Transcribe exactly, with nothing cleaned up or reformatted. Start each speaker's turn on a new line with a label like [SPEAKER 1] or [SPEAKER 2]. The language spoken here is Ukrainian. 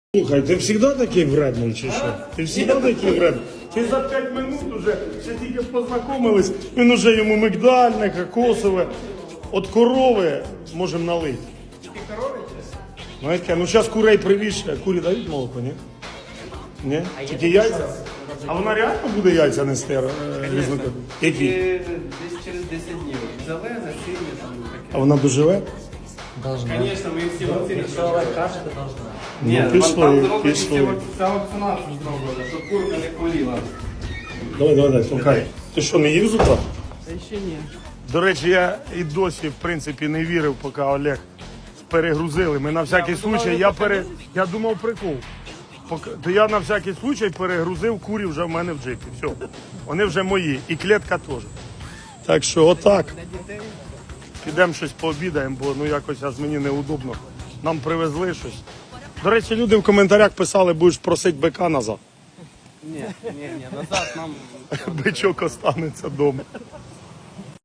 [SPEAKER 1] Слухай, ти завжди такий вредний чи що? Ти завжди такий вредний? Ти за п'ять минут уже, ще тільки познайомились, він уже йому мигдальне, кокосове. От корови можемо налити.
[SPEAKER 2] Тільки корови?
[SPEAKER 1] Ну, яке? Ну зараз курей привіше. Курі дають молоко, ні? Ні? Тільки яйця? А вона реально буде яйця нести? е, різнокольорові? Які?
[SPEAKER 2] Тільки десь через десять днів. Зелене, синє, там таке.
[SPEAKER 1] А вона доживе?
[SPEAKER 3] Должна.
[SPEAKER 2] Звісно, ми всі вакцини.
[SPEAKER 3] Якщо Олег каже, то должна.
[SPEAKER 2] Ні,
[SPEAKER 1] Ну, пішли,
[SPEAKER 2] там зроблені всі
[SPEAKER 1] пішли.
[SPEAKER 2] вак- вся вакцинація зроблена, щоб курка не хворіла.
[SPEAKER 1] Давай, давай, давай, слухай. Ти що, не їв зуба?
[SPEAKER 2] Та ще ні.
[SPEAKER 1] До речі, я і досі, в принципі, не вірив, поки Олег перегрузили. Ми на всякий случай, я пере... я думав прикол. Поки... То я на всякий случай перегрузив курі вже в мене в джипі. Все. Вони вже мої. І клітка теж. Так що отак. Підемо щось пообідаємо, бо ну якось аж мені неудобно. Нам привезли щось. До речі, люди в коментарях писали, будеш просити бика назад.
[SPEAKER 2] Ні, ні, ні, назад нам...
[SPEAKER 1] Бичок останеться вдома.